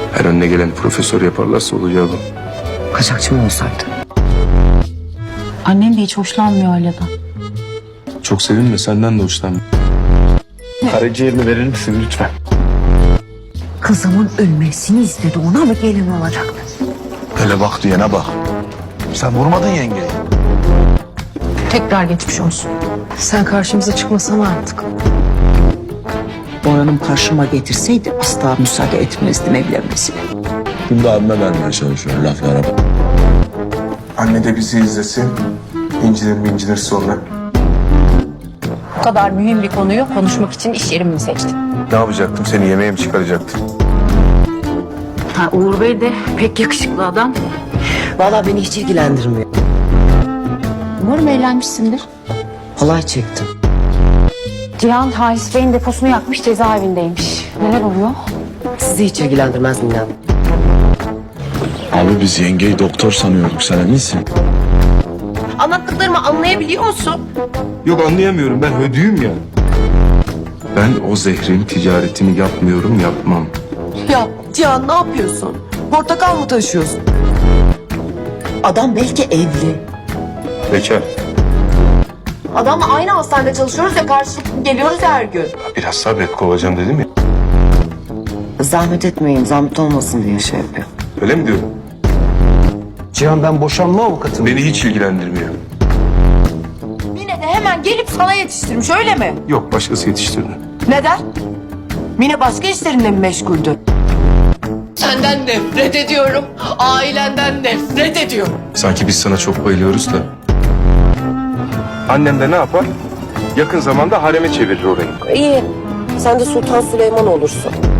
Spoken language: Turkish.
Her önüne gelen profesör yaparlarsa olacağı bu. Kaçakçı mı olsaydı? Annem de hiç hoşlanmıyor Aila'dan. Çok sevinme, senden de hoşlanma. Karaciğerini verir misin lütfen? Kızımın ölmesini istedi, ona mı gelin olacaktı? Hele bak diyene bak. Sen vurmadın yengeyi. Tekrar geçmiş olsun. Sen karşımıza çıkmasana artık. Boran'ım karşıma getirseydi asla müsaade etmezdim evlenmesine. Şimdi abime vermeye çalışıyor laflara bak. Anne de bizi izlesin. İncilir sonra. Bu kadar mühim bir konuyu konuşmak için iş yerimi mi seçtin? Ne yapacaktım? Seni yemeğe mi çıkaracaktım? Ha, Uğur Bey de pek yakışıklı adam. Vallahi beni hiç ilgilendirmiyor. Umarım eğlenmişsindir. Halay çektim. Cihan Halis Bey'in deposunu yakmış, cezaevindeymiş. Neler oluyor? Sizi hiç ilgilendirmez Mine Hanım. Abi biz yengeyi doktor sanıyorduk, sen eminsin? Anlattıklarımı anlayabiliyor musun? Yok, anlayamıyorum. Ben hödüyüm ya. Ben o zehrin ticaretini yapmıyorum, yapmam. Ya Cihan ne yapıyorsun? Portakal mı taşıyorsun? Adam belki evli. Bekar. Adamla aynı hastanede çalışıyoruz ya, karşılıklı geliyoruz her gün. Biraz sabret, kovacağım dedim ya. Zahmet etmeyin, zahmet olmasın diye şey yapıyor. Öyle mi diyorum? Cihan, ben boşanma avukatıyım. Beni hiç ilgilendirmiyor. Mine de hemen gelip sana yetiştirmiş, öyle mi? Yok, başkası yetiştirdi. Neden? Mine başka işlerinde mi meşguldü? Senden nefret ediyorum. Ailenden nefret ediyorum. Sanki biz sana çok bayılıyoruz da. Annem de ne yapar? Yakın zamanda hareme çevirir orayı. İyi. Sen de Sultan Süleyman olursun.